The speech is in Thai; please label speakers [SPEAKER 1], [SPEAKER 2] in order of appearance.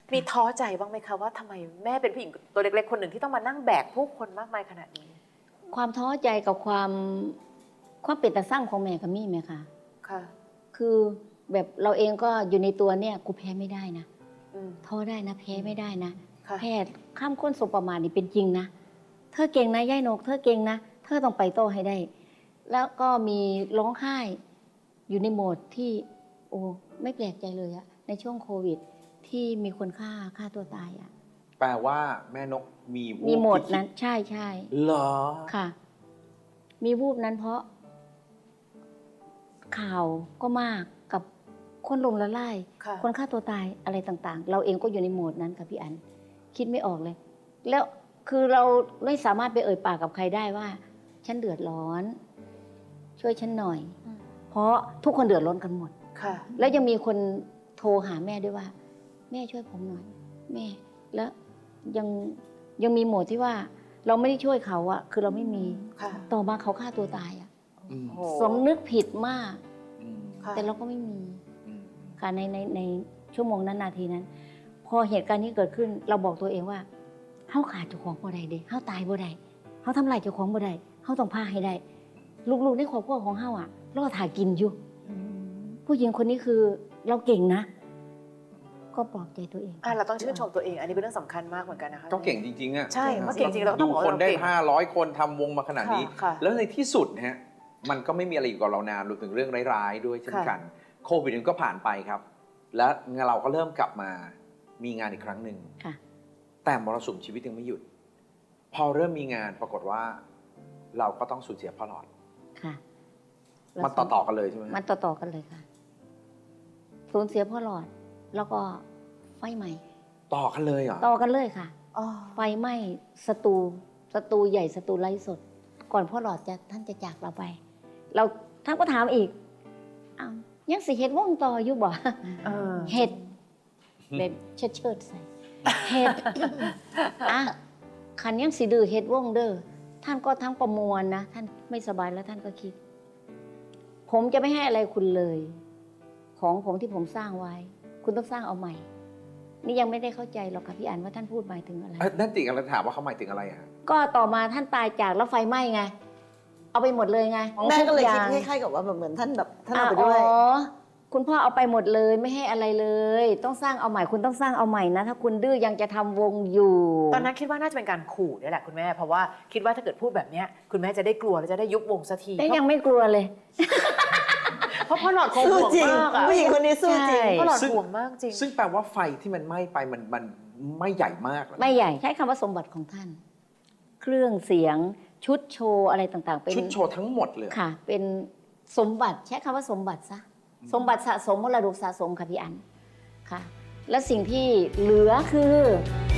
[SPEAKER 1] มีท้อใจบ้างไหมคะว่าทำไมแม่เป็นผู้หญิงตัวเล็กๆคนหนึ่งที่ต้องมานั่งแบกผู้คนมากมายขนาดนี้
[SPEAKER 2] ความท้อใจกับความเป็นตาสร้างของแม่กับมี่ไหมคะ
[SPEAKER 1] ค่ะ
[SPEAKER 2] คือแบบเราเองก็อยู่ในตัวเนี่ยกูแพ้ไม่ได้นะท้อได้นะแพ้ไม่ได้นะแพทย์ข้ามค้นสบประมาทนี่เป็นจริงนะเธอเก่งนะย่ายนกเธอเก่งนะเธอต้องไปโตให้ได้แล้วก็มีร้องไห้อยู่ในโหมดที่โอ้ไม่แปลกใจเลยอะในช่วงโควิดที่มีคนฆ่าตัวตายอะ
[SPEAKER 3] แปลว่าแม่นกมีวูบ
[SPEAKER 2] มีโหมดนั้นใช่
[SPEAKER 3] เหรอ
[SPEAKER 2] ค่ะมีวูบนั้นเพราะข่าวก็มากกับคนลงละลายคนฆ่าตัวตายอะไรต่างๆเราเองก็อยู่ในโหมดนั้นค่ะพี่อันคิดไม่ออกเลยแล้วคือเราไม่สามารถไปเอ่ยปากกับใครได้ว่าฉันเดือดร้อนช่วยฉันหน่อยเพราะทุกคนเดือดร้อนกันหมดแล้วยังมีคนโทรหาแม่ด้วยว่าแม่ช่วยผมหน่อยแม่แล้วยังมีโหมดที่ว่าเราไม่ได้ช่วยเขาอะคือเราไม่มีต่อมาเขาฆ่าตัวตายอะสมนึกผิดมากแต่เราก็ไม่มีค่ะในชั่วโมงนั้นนาทีนั้นพอเหตุการณ์นี้เกิดขึ้นเราบอกตัวเองว่าเฮาขาดเจ้าของบ่ได้เด้เฮาตายบ่ได้เฮาทำลายเจ้าของบ่ได้เฮาต้องพาให้ได้ลูกๆในครอบครัวของเฮาอะรอถ่ากินอยู่ผู้หญิงคนนี้คือเราเก่งนะก็ปลอบใจตัวเอง
[SPEAKER 1] เราต้องชื่นชมตัวเองอันนี้เป็นเรื่องสำคัญมากเหมือนกันนะคะ
[SPEAKER 3] ก็เก่งจริงๆอะ
[SPEAKER 1] ใช่เมื่อเก่งจริงเราต้องบอก
[SPEAKER 3] คนได้500 คนทำวงมาขนาดนี้แล้วในที่สุดนะฮะมันก็ไม่มีอะไรอยู่กับเรานานรวมถึงเรื่องร้ายๆด้วยเช่นกันโควิดก็ผ่านไปครับแล้วเราก็เริ่มกลับมามีงานอีกครั้งหนึ่งแต่มรสุมชีวิตยังไม่หยุดพอเริ่มมีงานปรากฏว่าเราก็ต้องสูญเสียพ่อหลอด
[SPEAKER 2] ค่ะ
[SPEAKER 3] มันต่อกันเลยใช่ไหม
[SPEAKER 2] มันต่อกันเลยค่ะสูญเสียพ่อหลอดแล้วก็ไฟไหม้
[SPEAKER 3] ต่อกันเลยเหรอ
[SPEAKER 2] ต่อกันเลยค่ะไฟไหม้สตูใหญ่สตูไร้สดก่อนพ่อหลอดท่านจะจากเราไปเราท่านก็ถามอีกยังสิเฮ็ดวงต่ออยู่บ่เฮ็ดแบบเชิดใส่เฮ็ดขันยังสิดื้อเฮ็ดวงเด้อท่านก็ทั้งประมวลนะท่านไม่สบายแล้วท่านก็คิดผมจะไม่ให้อะไรคุณเลยของผมที่ผมสร้างไว้คุณต้องสร้างเอาใหม่นี่ยังไม่ได้เข้าใจหรอกค่ะพี่อันว่าท่านพูดหมายถึงอะไร
[SPEAKER 3] นั่นติกำลังถามว่าเขาหมายถึงอะไรฮะ
[SPEAKER 2] ก็ต่อมาท่านตายจากแล้วไฟไหม้ไงเอาไปหมดเลยไง
[SPEAKER 4] แม่ก็เลยคิดคล้ายๆกับว่าเหมือนท่านแบบท่านเอาไปด้วย
[SPEAKER 2] คุณพ่อเอาไปหมดเลยไม่ให้อะไรเลยต้องสร้างเอาใหม่คุณต้องสร้างเอาใหม่นะถ้าคุณดื้อยังจะทำวงอยู่
[SPEAKER 1] ตอนนั้นคิดว่าน่าจะเป็นการขู่นี่แหละคุณแม่เพราะว่าคิดว่าถ้าเกิดพูดแบบนี้คุณแม่จะได้กลัวแล้วจะได้ยุบวงสักที
[SPEAKER 2] แต่ยังไม่กลัวเลย
[SPEAKER 1] เพราะพ่อหลอดคงห่วงมาก
[SPEAKER 4] ผู้หญิงคนนี้สู้จริง
[SPEAKER 1] พ่อหลอดห่วงมากจริง
[SPEAKER 3] ซึ่งแปลว่าไฟที่มันไหม้ไปมันไม่ใหญ่มาก
[SPEAKER 2] ไม่ใหญ่ใช้คำว่าสมบัติของท่านเครื่องเสียงชุดโชว์อะไรต่างๆเป็น
[SPEAKER 3] ชุดโชว์ทั้งหมดเลย
[SPEAKER 2] ค่ะเป็นสมบัติใช้คำว่าสมบัติซะสมบัติสะสมมรดกสะสมค่ะพี่อันค่ะและสิ่งที่เหลือคือ